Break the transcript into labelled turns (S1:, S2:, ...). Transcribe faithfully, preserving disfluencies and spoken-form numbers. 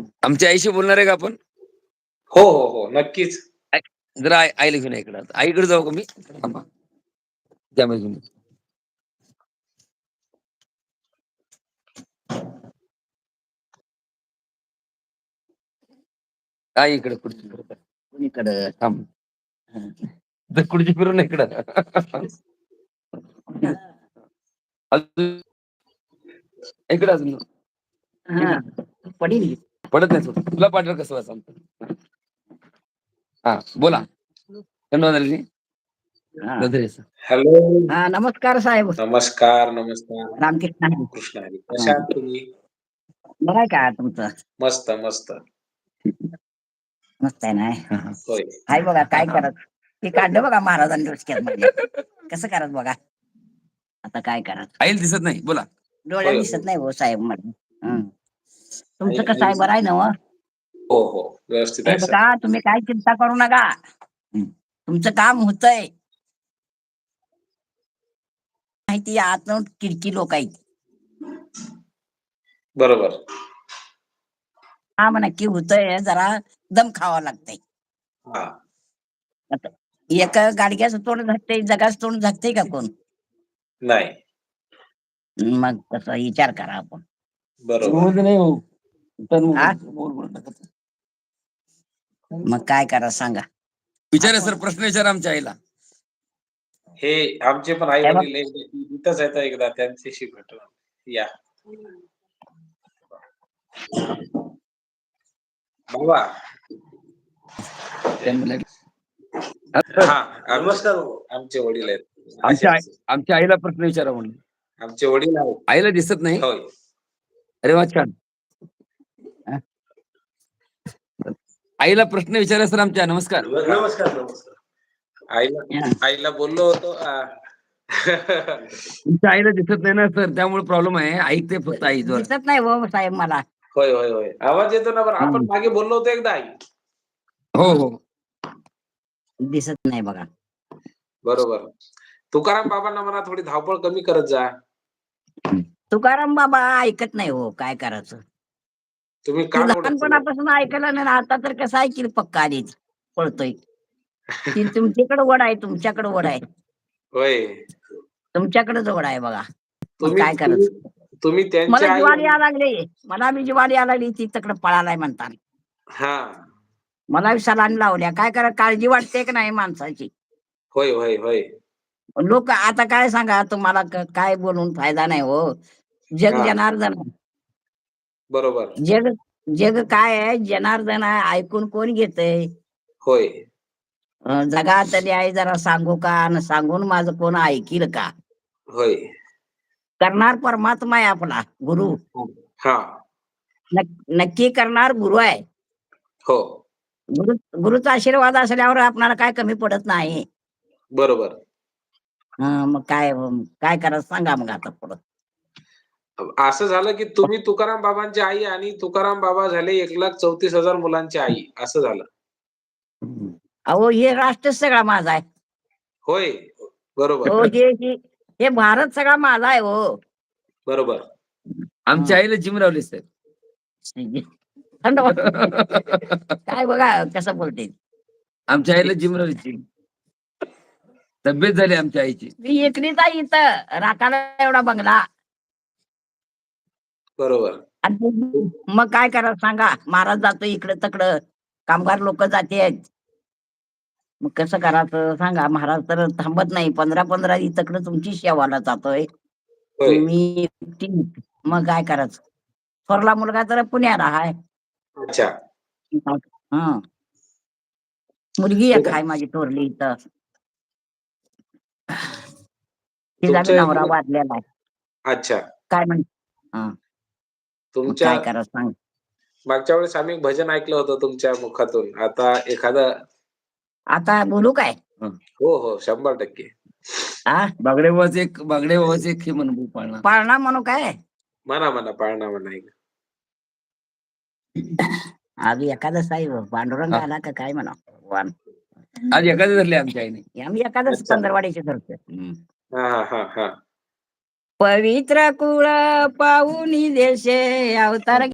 S1: आमच्या आईशी बोलणार आहे का आपण?
S2: हो, हो, हो. नक्कीच.
S1: आई जरा आई आईला घेऊन या इकडं. आईकडे जाऊ का मी? थांबा. त्यामध्ये घेऊन या. आई इकडे खुर्ची फिरव. इकडं थांब. तर खुर्ची फिरून इकडं. अजून इकडे अजून.
S3: हां. पडील.
S1: पडत नाही सोड. तुला पाठवलं कसं सांगतो. हा बोला. धन्यवाद.
S3: हां.
S2: हॅलो.
S3: हां, नमस्कार साहेब.
S2: नमस्कार, नमस्कार.
S3: रामकृष्ण हरी.
S2: कृष्ण हरी. कशा आहात तुम्ही?
S3: बरं आहे का तुमचं?
S2: मस्त, मस्त.
S3: मस्त आहे ना?
S2: होय.
S3: हाय बघा काय करत. ते काढलं बघा महाराजांनी डोसक्यामध्ये. कसं करत बघा. आता काय करत?
S1: आईला दिसत नाही. बोला.
S3: डोळ्यात
S2: होय,
S3: दिसत
S2: होय.
S3: नाही हो साहेब मला. हं. तुमचं
S2: आई
S3: कसं आहे
S2: आई
S3: बरं आहे ना हो?
S2: हो, हो. व्यवस्थित
S3: हे
S2: आहे सर.
S3: बघा तुम्ही काही चिंता करू नका. तुमचं काम होतंय. माहिती आतून किडकी लोक आहेत.
S2: बरोबर.
S3: काम नक्की होतंय जरा दम खावा लागतंय.
S2: हां.
S3: आता एक गाडग्याचं तोंड झाकतंय, जगाचं तोंड झाकतंय का कोण?
S2: नाही.
S3: मग तसा विचार करा आपण.
S2: बरोबर.
S1: नाही हो.
S3: हा? मग काय करा सांगा.
S1: विचारा सर प्रश्न विचारा आमच्या आईला.
S2: हे आमचे पण आई
S3: हे बघ
S2: वडील इथंच आहेत एकदा त्यांच्याशी भेटू. या. बाबा. हां. नमस्कार बाबा. आमचे वडील आहेत.
S1: आमच्या आई
S2: असे
S1: आमच्या आईला प्रश्न विचारा म्हणून.
S2: आमचे वडील आहेत.
S1: आईला दिसत नाही.
S2: होय.
S1: अरे वा छान. आईला प्रश्न विचारा सर आमच्या. नमस्कार.
S2: नमस्कार, नमस्कार. आईला आईला बोललो होतो अ,
S1: तुमच्या आईला दिसत नाही ना सर त्यामुळे प्रॉब्लेम आहे. ऐकते फक्त आई जोर.
S3: दिसत नाही हो साहेब मला.
S2: होय, होय, होय. आवाज येतो ना बरं. आपण मागे बोललो होतो एकदा आई.
S1: हो हो.
S3: दिसत नाही बघा.
S2: बरोबर. तुकाराम बाबांना म्हणा थोडी धावपळ कमी करत जा.
S3: तुकाराम बाबा ऐकत नाही हो काय करायचं.
S2: तुम्ही
S3: ती
S2: कान ओढत चाललाय.
S3: लहानपणापासून ऐकलं नाही ना आता तर कसं ऐकील पक्का आधीच पळतोय. ती तुमच्याकडे वड आहे तुमच्याकडे वड आहे.
S2: होय.
S3: तुमच्याकडेच वड आहे बघा. मग
S2: तुम्ही
S3: काय
S2: तुम्ही
S3: करायचं.
S2: तुम्ही
S3: मला
S2: त्यांची आई
S3: जिवारी यायला लागली. मला बी जिवारी यायला लागली ती तिकडे पळालाय म्हणता.
S2: हां.
S3: मला बी सलाईन लावल्या. काय करा काळजी वाटते की नाही माणसाची.
S2: होय, होय, होय.
S3: लोक आता काय सांगा तुम्हाला क- काय बोलून फायदा नाही हो. जग
S2: हां.
S3: जनार्दन.
S2: बरोबर.
S3: जग जग काय आहे जनार्दन आहे ऐकून कोण घेतय.
S2: होय.
S3: अं, जगात आहे जरा सांगू का आणि सांगून माझं कोण ऐकील का.
S2: होय.
S3: करणार परमात्मा आहे आपला गुरु.
S2: हां.
S3: नक- नक्की करणार गुरु आहे.
S2: हो.
S3: गुरु गुरुचा आशीर्वाद असल्यावर आपल्याला काय कमी पडत नाही.
S2: बरोबर.
S3: हं, मग काय काय करायचं सांगा मग आता पुढं.
S2: असं झालं की तुम्ही तुकाराम बाबांची आई आणि तुकाराम बाबा झाले एक लाख चौतीस हजार मुलांची आई असं झालं.
S3: अहो हे राष्ट्र सगळा माझा आहे.
S2: होय. बरोबर.
S3: हो हे हे हे भारत सगळा माझा आहे हो.
S2: बरोबर.
S1: आमच्या आईला जिम लावली सर.
S3: थंड वाजते. काय बघा कसं बोलते.
S1: आमच्या आईला जिम लावली जिम. तब्येत झाली आमच्या आईची.
S3: मी एकलीच आहे इथं राखाला एवढा बंगला.
S2: बरोबर.
S3: आणि ते- मग काय करा सांगा महाराज जातो इकडं तिकडं कामगार लोक जाते. मग कसं करायचं सांगा महाराज तर थांबत नाही पंधरा पंधरा तिकडं तुमची सेवाला जातोय.
S2: होय.
S3: मी एकटी. मग काय करायचं. थोरला मुलगा तर पुण्याला आहे.
S2: अच्छा.
S3: हा मुलगी एक आहे माझी थोरली इथं. तिचा बी
S2: तुमच्या
S3: नवरा वाढलेला आहे.
S2: अच्छा.
S3: काय म्हण हा मग
S2: तुमच्या
S3: काय करायचं सांग.
S2: मागच्या वेळेस आम्ही भजन ऐकलं होतं तुमच्या मुखातून. आता एखादं
S3: आता बोलू काय.
S2: हो, हो. शंभर टक्के.
S3: हा
S1: बागडे बाबाचे एक बागडे बाबाचे एक हे म्हणू पाळणा.
S3: पाळणा म्हणू काय.
S2: म्हणा म्हणा पाळणा म्हणा एक.
S3: आज एकादश आहे हो. पांडुरंग आला का काय म्हणा वान.
S1: आज एखादे धरले आमच्या आईने.
S3: आम्ही एकादश
S2: अच्छा.
S3: पंधरवाडीचे धरतो.
S2: हां, हां, हां, हां.
S3: पवित्र कुळ पाहुनी देशे अवतार